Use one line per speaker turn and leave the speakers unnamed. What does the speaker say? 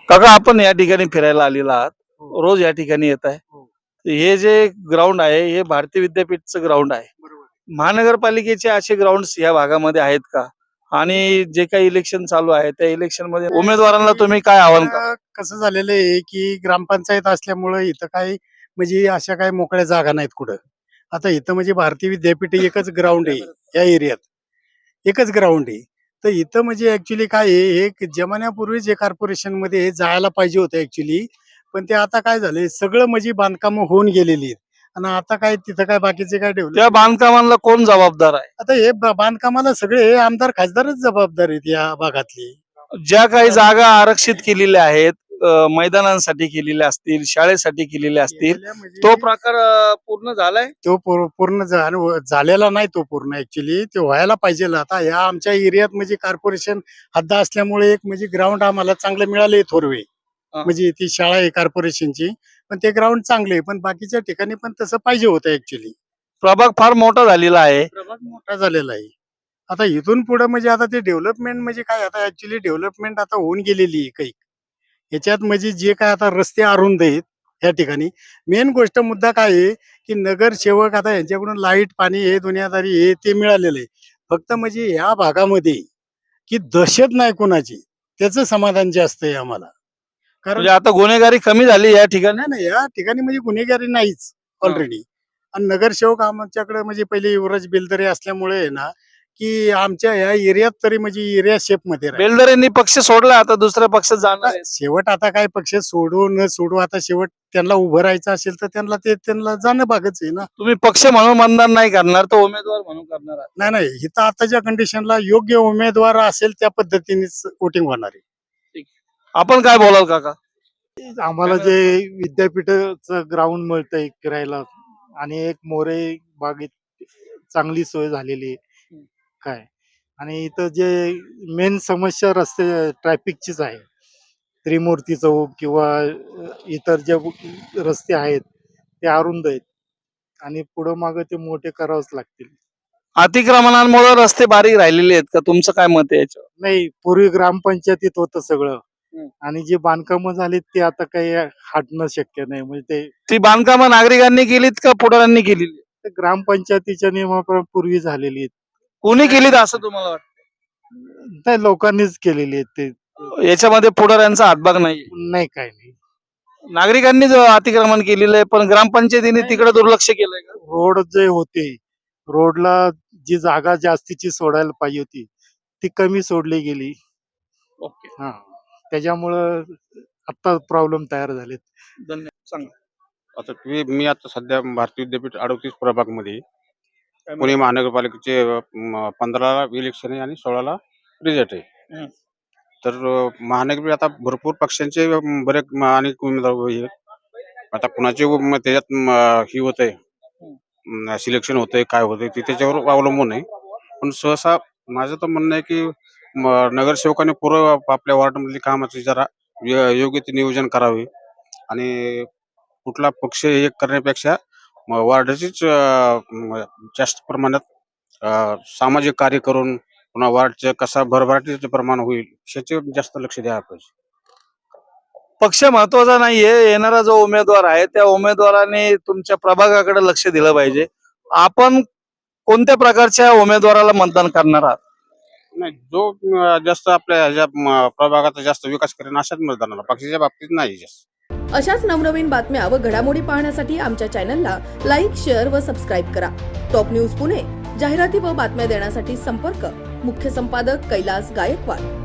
काका, आपण या ठिकाणी फिरायला आलेला आहात,
हो.
रोज या ठिकाणी येत आहे.
हो.
हे जे ग्राउंड आहे हे भारतीय विद्यापीठचं ग्राउंड आहे.
बरोबर.
महानगरपालिकेचे असे ग्राउंड्स या भागामध्ये आहेत का? आणि जे काही इलेक्शन चालू आहे त्या इलेक्शन मध्ये उमेदवारांना तुम्ही काय आव्हान करा?
कसं झालेलं आहे की ग्रामपंचायत असल्यामुळे इथं काही म्हणजे अशा काही मोकळ्या जागा नाहीत कुठं. आता इथं म्हणजे भारतीय विद्यापीठ एकच ग्राउंड आहे या एरियात, एकच ग्राउंड आहे. तर इथं म्हणजे ऍक्च्युली काय आहे, हे जमान्यापूर्वीच हे कॉर्पोरेशन मध्ये हे जायला पाहिजे होतं ऍक्च्युली. पण ते आता काय झालंय, सगळं म्हणजे बांधकाम होऊन गेलेली आहेत. आणि आता काय तिथं काय बाकीचे काय
त्या
डेव्हलप.
बांधकामांना कोण जबाबदार आहे?
आता हे बांधकामाला सगळे हे आमदार खासदारच जबाबदार आहेत या भागातली.
ज्या काही जागा आरक्षित केलेल्या आहेत, मैदानांसाठी केलेल्या असतील, शाळेसाठी केलेल्या असतील,
गेल्या म्हणजे
तो प्रकार पूर्ण झालाय?
तो पूर्ण झालेला नाही तो पूर्ण ऍक्च्युली. ते व्हायला पाहिजे. आता या आमच्या एरियात म्हणजे कॉर्पोरेशन हद्द असल्यामुळे एक म्हणजे ग्राउंड आम्हाला चांगलं मिळाले थोरवे.
हा.
म्हणजे ती शाळा आहे कॉर्पोरेशनची, पण ते ग्राउंड चांगले आहे. पण बाकीच्या ठिकाणी पण तसं पाहिजे होतं ऍक्च्युली.
प्रभाग फार मोठा झालेला आहे.
प्रभाग मोठा झालेला आहे. आता इथून पुढे म्हणजे आता ते डेव्हलपमेंट म्हणजे काय, आता ऍक्च्युली डेव्हलपमेंट आता होऊन गेलेली आहे काही. याच्यात म्हणजे जे काय आता रस्ते अरुंद आहेत या ठिकाणी. मेन गोष्ट मुद्दा काय आहे की नगरसेवक आता यांच्याकडून लाईट पाणी हे दुनियादारी हे ते मिळालेलं आहे. फक्त म्हणजे या भागामध्ये की दहशत नाही कोणाची, त्याचं समाधान जास्त आहे आम्हाला. कारण
म्हणजे आता गुन्हेगारी कमी झाली या ठिकाणी.
नाही नाही, या ठिकाणी म्हणजे गुन्हेगारी नाहीच ऑलरेडी. आणि नगरसेवक आमच्याकडे म्हणजे पहिले युवराज बेलदरे असल्यामुळे आहे ना, की आमच्या या एरियात तरी म्हणजे एरिया शेप मध्ये राहील.
बेलदरेंनी पक्ष सोडला, आता दुसऱ्या पक्षात जाणार आहे.
शेवट आता काय पक्ष सोडू न सोडू, आता शेवट त्यांना उभं राहायचं असेल तर त्यांना जाणं भागच आहे ना.
तुम्ही पक्ष म्हणून मतदान नाही करणार, तर उमेदवार म्हणून करणार आहात.
नाही नाही, इथं आताच्या कंडिशनला योग्य उमेदवार असेल त्या पद्धतीनेच वोटिंग होणार आहे.
आपण काय बोलाल काका?
आम्हाला जे विद्यापीठाचं ग्राउंड मिळतंय फिरायला आणि एक मोरे बागेत चांगली सोय झालेली आहे काय. आणि इथं जे मेन समस्या रस्ते ट्रॅफिकचीच आहे. त्रिमूर्ती चौक किंवा इतर जे रस्ते आहेत ते अरुंद आहेत आणि पुढं मागं ते मोठे करावंच लागतील.
अतिक्रमणांमुळे रस्ते बारीक राहिलेले आहेत का? तुमचं काय मत आहे याच्यावर?
नाही, पूर्वी ग्रामपंचायतीत होतं सगळं
हम्म.
आणि जे बांधकामं झालीत ते आता काही हटणं शक्य नाही. म्हणजे ते
ती बांधकामं नागरिकांनी केलीत का पुढाऱ्यांनी केलेली?
ते ग्रामपंचायतीच्या नियमापूर्वी झालेली आहेत.
कोणी केलीत असं तुम्हाला वाटतं?
नाही, लोकांनीच केलेली आहेत ते.
याच्यामध्ये पुढाऱ्यांचा हातभाग नाही.
नाही, काय नाही.
नागरिकांनी जो अतिक्रमण केलेलं आहे, पण ग्रामपंचायतीने तिकडे दुर्लक्ष केलंय का?
रोड जे होते, रोडला जी जागा जास्तीची सोडायला पाहिजे होती ती कमी सोडली गेली.
ओके,
हा, त्याच्यामुळं आता प्रॉब्लेम तयार झालेत.
धन्यवाद. सांगा.
आता मी आता सध्या भारतीय विद्यापीठ 38 प्रभागमध्ये
काय
पुणे
म्हणता?
महानगरपालिकेचे 15ला इलेक्शन आहे आणि 16ला रिझल्ट आहे.
हं.
तर महानगरपालिका आता भरपूर पक्षांचे बरेच अनेक उमेदवार उभे आहेत. आता कुणाचे त्याच्यात ही होत आहे, सिलेक्शन होतंय काय होतंय ते त्याच्यावर अवलंबून आहे. पण सहसा माझं तर म्हणणं आहे की नगरसेवकांनी पूर्व आपल्या वॉर्डमधली कामाचे जरा योग्य ते नियोजन करावे आणि कुठला पक्ष हे करण्यापेक्षा वार्डाचीच जास्त प्रमाणात सामाजिक कार्य करून पुन्हा वार्डचं कसा भरभराटीचं प्रमाण होईल याचे जास्त लक्ष द्यायला पाहिजे.
पक्ष महत्वाचा नाहीये, येणारा जो उमेदवार आहे त्या उमेदवाराने तुमच्या प्रभागाकडे लक्ष दिलं पाहिजे. आपण कोणत्या प्रकारच्या उमेदवाराला मतदान करणार आहात?
नाही, जो जास्त आपल्या ह्याच्या प्रभागाचा जास्त विकास करेन अशाच मतदानाला, पक्षाच्या बाबतीत नाही जास्त.
अशाच नवनवीन बातम्या व घडामोडी पाहण्यासाठी आमच्या चॅनलला लाईक, शेअर व सबस्क्राईब करा. टॉप न्यूज पुणे जाहिराती व बातम्या देण्यासाठी संपर्क मुख्य संपादक कैलास गायकवाड.